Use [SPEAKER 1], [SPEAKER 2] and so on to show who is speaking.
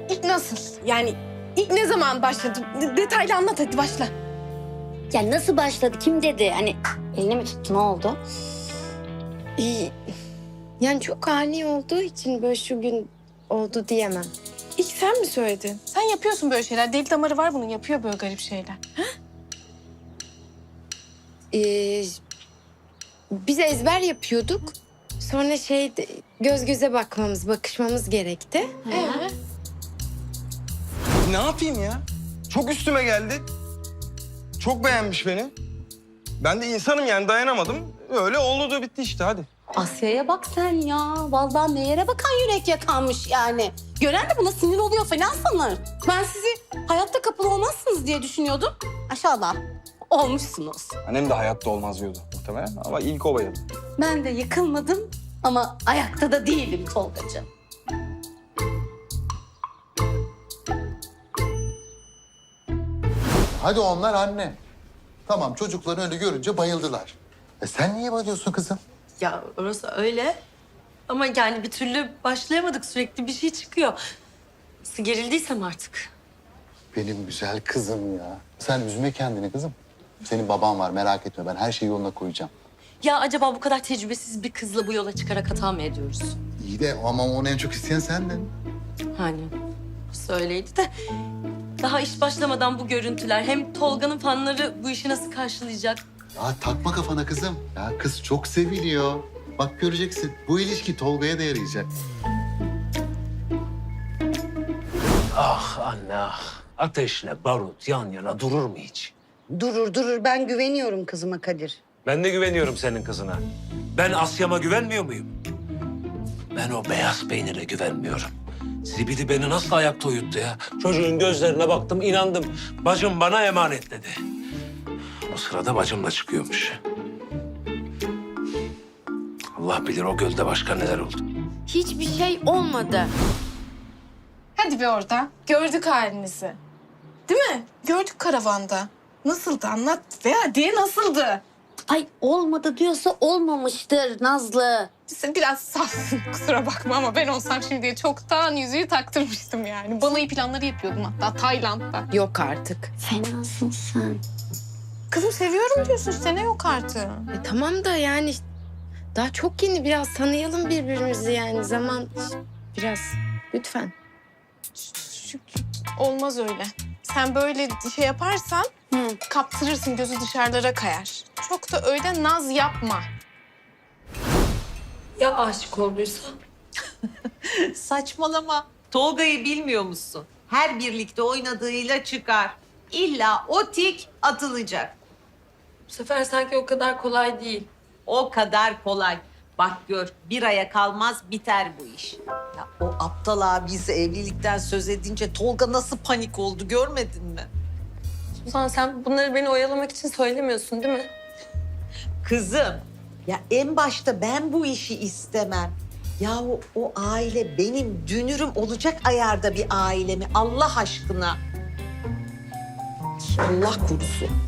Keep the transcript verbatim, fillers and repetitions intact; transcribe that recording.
[SPEAKER 1] ilk nasıl? Yani ilk ne zaman başladı? De- detaylı anlat hadi başla.
[SPEAKER 2] Ya nasıl başladı? Kim dedi? Hani elini mi tuttu? Ne oldu?
[SPEAKER 3] Ee, Yani çok ani olduğu için böyle şu gün oldu diyemem.
[SPEAKER 1] İlk sen mi söyledin? Sen yapıyorsun böyle şeyler. Deli damarı var bunun. Yapıyor böyle garip şeyler.
[SPEAKER 3] Ee, Biz ezber yapıyorduk. Sonra şey göz göze bakmamız, bakışmamız gerekti.
[SPEAKER 1] Ee?
[SPEAKER 4] Ne yapayım ya? Çok üstüme geldi. Çok beğenmiş beni. Ben de insanım yani dayanamadım. Öyle oldu da bitti işte hadi.
[SPEAKER 5] Asya'ya bak sen ya. Vallahi ne yere bakan yürek yakanmış yani. Gören de buna sinir oluyor falan sanır. Ben sizi hayatta kapalı olmazsınız diye düşünüyordum. Aşağıda olmuşsunuz.
[SPEAKER 4] Annem de hayatta olmaz diyordu muhtemelen ama ilk o bayıldı.
[SPEAKER 5] Ben de yıkılmadım ama ayakta da değilim Tolgacığım.
[SPEAKER 6] Hadi onlar anne. Tamam çocukları öyle görünce bayıldılar. E sen niye bayılıyorsun kızım?
[SPEAKER 7] Ya orası öyle. Ama yani bir türlü başlayamadık. Sürekli bir şey çıkıyor. Nasıl gerildiysem artık.
[SPEAKER 6] Benim güzel kızım ya. Sen üzme kendini kızım. Senin baban var merak etme ben her şeyi yoluna koyacağım.
[SPEAKER 7] Ya acaba bu kadar tecrübesiz bir kızla bu yola çıkarak hata mı ediyoruz?
[SPEAKER 6] İyi de ama onu en çok isteyen sendin.
[SPEAKER 7] Hani söyleydi de daha iş başlamadan bu görüntüler hem Tolga'nın fanları bu işi nasıl karşılayacak?
[SPEAKER 6] Ya takma kafana kızım. Ya kız çok seviliyor. Bak göreceksin bu ilişki Tolga'ya da yarayacak.
[SPEAKER 8] Ah anne ah. Ateşle barut yan yana durur mu hiç?
[SPEAKER 9] Durur durur ben güveniyorum kızıma Kadir.
[SPEAKER 8] Ben de güveniyorum senin kızına. Ben Asya'ma güvenmiyor muyum? Ben o beyaz peynire güvenmiyorum. Zibidi beni nasıl ayakta uyuttu ya? Çocuğun gözlerine baktım, inandım. Bacım bana emanet dedi. O sırada bacım da çıkıyormuş. Allah bilir o gölde başka neler oldu.
[SPEAKER 3] Hiçbir şey olmadı.
[SPEAKER 1] Hadi be orada. Gördük halinizi. Değil mi? Gördük karavanda. Nasıldı anlat ve hadi nasıldı?
[SPEAKER 2] Ay olmadı diyorsa olmamıştır Nazlı.
[SPEAKER 1] Sen biraz safsın kusura bakma ama ben olsam şimdiye çoktan yüzüğü taktırmıştım yani. Balayı planları yapıyordum hatta Tayland'da.
[SPEAKER 3] Yok artık.
[SPEAKER 2] Fenasın sen.
[SPEAKER 1] Kızım seviyorum diyorsun işte ne yok artık.
[SPEAKER 3] E, tamam da yani daha çok yeni biraz tanıyalım birbirimizi yani zaman biraz lütfen.
[SPEAKER 1] Olmaz öyle. Sen böyle şey yaparsan
[SPEAKER 2] Hı.
[SPEAKER 1] kaptırırsın gözü dışarılara kayar. Çok da öyle naz yapma.
[SPEAKER 7] Ya aşık olduysa?
[SPEAKER 10] Saçmalama. Tolga'yı bilmiyor musun? Her birlikte oynadığıyla çıkar. İlla o tik atılacak.
[SPEAKER 7] Bu sefer sanki o kadar kolay değil.
[SPEAKER 10] O kadar kolay. Bak gör bir aya kalmaz biter bu iş. Ya o aptal abisi evlilikten söz edince Tolga nasıl panik oldu görmedin mi?
[SPEAKER 7] Suzan sen bunları beni oyalamak için söylemiyorsun değil mi?
[SPEAKER 10] Kızım ya en başta ben bu işi istemem. Yahu o aile benim dünürüm olacak ayarda bir aile mi Allah aşkına? Allah korusun.